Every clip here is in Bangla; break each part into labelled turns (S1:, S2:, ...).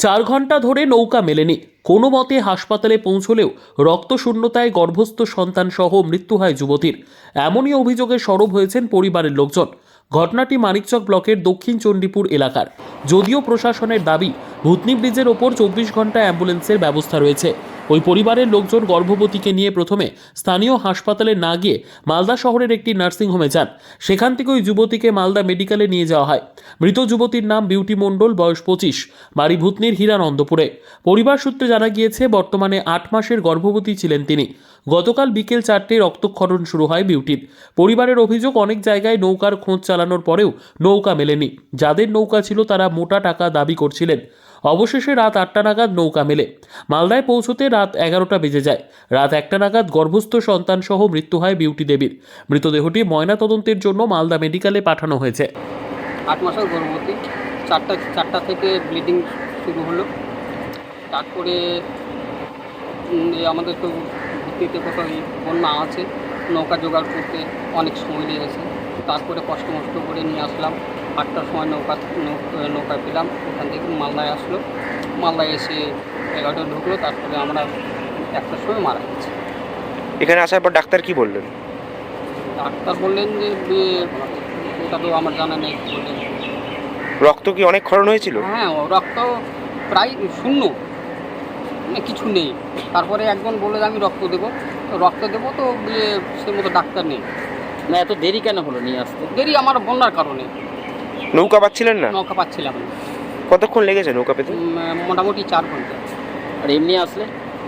S1: 4 ঘন্টা ধরে নৌকা মেলেনি, কোনো মতে হাসপাতালে পৌঁছলেও রক্তশূন্যতায় গর্ভস্থ সন্তান সহ মৃত্যু হয় যুবতীর। এমনই অভিযোগে সরব হয়েছেন পরিবারের লোকজন। ঘটনাটি মানিকচক ব্লকের দক্ষিণ চণ্ডীপুর এলাকার। যদিও প্রশাসনের দাবি ভূতনি ব্রিজের ওপর 24 ঘন্টা অ্যাম্বুলেন্সের ব্যবস্থা রয়েছে। ওই পরিবারের লোকজন গর্ভবতীকে নিয়ে প্রথমে স্থানীয় হাসপাতালে না গিয়ে মালদা শহরের একটি নার্সিংহোমে যান। সেখান থেকে ওই যুবতীকে মালদা মেডিকেলে নিয়ে যাওয়া হয়। মৃত যুবতীর নাম বিউটি মণ্ডল, বয়স 25, বাড়ি ভূতনির হীরানন্দপুরে। পরিবার সূত্রে জানা গিয়েছে বর্তমানে 8 মাসের গর্ভবতী ছিলেন তিনি। গতকাল বিকেল 4টে রক্তক্ষরণ শুরু হয় বিউটির। পরিবারের অভিযোগ, অনেক জায়গায় নৌকার খোঁজ চালানোর পরেও নৌকা মেলেনি। যাদের নৌকা ছিল তারা মোটা টাকা দাবি করছিলেন। অবশেষে রাত 8টা নাগাদ নৌকা মেলে। মালদায় পৌঁছতে রাত 11টা বেজে যায়। রাত 1টা নাগাদ গর্ভস্থ সন্তান সহ মৃত্যু হয় বিউটি দেবীর। মৃতদেহটি ময়নাতদন্তের জন্য মালদা মেডিকেলে পাঠানো হয়েছে।
S2: 8 মাসের গর্ভবতী, চারটা থেকে ব্লিডিং শুরু হলো। তারপরে আমাদের তো ভিত্তিতে কোথাও বন্যা আছে, নৌকা জোগাড় করতে অনেক সময় লেগেছে। তারপরে কষ্ট করে নিয়ে আসলাম। 8টার সময় নৌকা পেলাম। ওখান থেকে মালদায় আসলো। মালদায় এসে 11টা ঢুকলো। তারপরে আমরা 1টার সময় মারা গেছি।
S3: এখানে আসার পর ডাক্তার কি বললেন?
S2: ডাক্তার বললেন যে ওটা তো আমার জানা নেই। বললেন
S3: রক্ত কি অনেক ক্ষরণ হয়েছিল?
S2: হ্যাঁ, রক্ত প্রায় শূন্য, মানে কিছু নেই। তারপরে একজন বললো যে আমি রক্ত দেবো, তো সে মতো ডাক্তার নেই।
S4: না, এত দেরি কেন হলো নিয়ে আসতে?
S2: দেরি আমার বন্যার কারণে।
S3: নৌকা পাচ্ছিলেন না?
S2: নৌকা পাচ্ছিলাম না।
S3: কতক্ষণ লেগেছে নৌকা পেতে?
S2: মোটামুটি 4 ঘন্টা।
S4: আর এমনি আসলে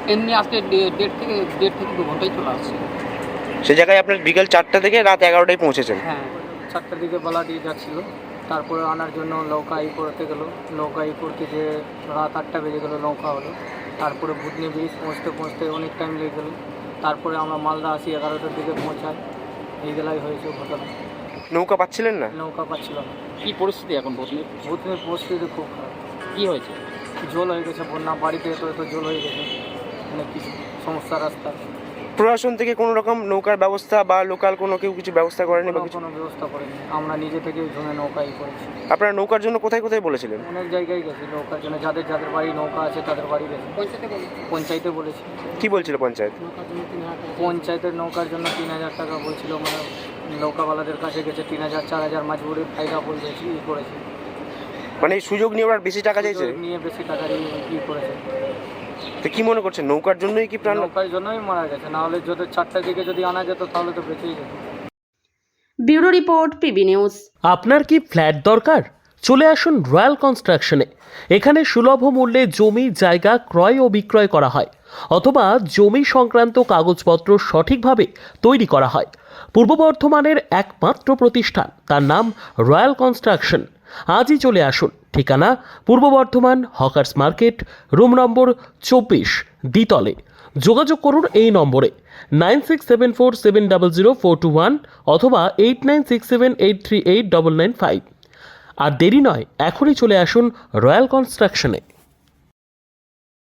S2: দেড় থেকে 2 ঘন্টায় চলে আসছে।
S3: সে জায়গায় আপনার বিকেল 4টা থেকে রাত 11টায় পৌঁছেছেন?
S2: হ্যাঁ, 4টার দিকে বলা দিয়ে যাচ্ছিলো। তারপরে আনার জন্য নৌকা করতে গেলো। নৌকা করতে যে রাত 8টা বেজে গেলো, নৌকা হলো। তারপরে ভূতনি ব্রিজ পৌঁছতে অনেক টাইম লেগে গেলো। তারপরে আমরা মালদা আসি, 11টার দিকে পৌঁছাই। এইগুলাই হয়েছে ঘটনা।
S3: নৌকা পাচ্ছিলেন না?
S2: নৌকা পাচ্ছিল না।
S4: কি পরিস্থিতি এখন ভূতনির?
S2: ভূতনির পরিস্থিতি খুব খারাপ।
S4: কি হয়েছে?
S2: জল হয়ে গেছে, বন্যা, বাড়িতে তো জল হয়ে গেছে, অনেক কিছু সমস্যা। রাস্তা
S3: প্রশাসন থেকে কোনো রকম নৌকার ব্যবস্থা বা লোকাল কোনো কেউ কিছু ব্যবস্থা করেনি বা কিছু?
S2: কোনো ব্যবস্থা করেনি। আমরা নিজে থেকে জমে নৌকাই করেছি।
S3: আপনারা নৌকার জন্য কোথায় কোথায় বলেছিলেন?
S2: অনেক জায়গায় গেছি নৌকার জন্য। যাদের বাড়ি নৌকা আছে তাদের বাড়ি গেছি। পঞ্চায়েতে বলেছি।
S3: কি বলছিল পঞ্চায়েত?
S2: পঞ্চায়েতের নৌকার জন্য 3000 টাকা বলছিল। মানে নৌকাওয়ালাদের কাছে গেছে 3000, 4000 মাঝবুড়ি ফায়দা বলছি করেছি।
S3: মানে এই সুযোগ নিয়ে ওরা বেশি টাকা চাইছে?
S2: নিয়ে বেশি টাকা দিয়ে করেছে।
S3: তো কি মনে করছেন, নৌকার জন্যই কি প্রাণ?
S2: নৌকার জন্যই মারা গেছে, না হলে যদি 4টার দিকে যদি আনা যেত তাহলে তো বেঁচেই যেত।
S5: Bureau report, PB news.
S1: আপনার কি ফ্ল্যাট দরকার? চলে আসুন রয়্যাল কনস্ট্রাকশনে। এখানে সুলভ মূল্যে জমি জায়গা ক্রয় ও বিক্রয় করা হয়, অথবা জমি সংক্রান্ত কাগজপত্র সঠিকভাবে তৈরি করা হয়। পূর্ব বর্ধমানের একমাত্র প্রতিষ্ঠান, তার নাম রয়্যাল কনস্ট্রাকশন। আজই চলে আসুন। ঠিকানা পূর্ব Bardhaman hawkers market, room number 24, দ্বিতলে। যোগাযোগ করুন এই নম্বরে 9674700421 অথবা 8967838995। আর দেরি নয়, এখনই চলে আসুন রয়্যাল কনস্ট্রাকশনে।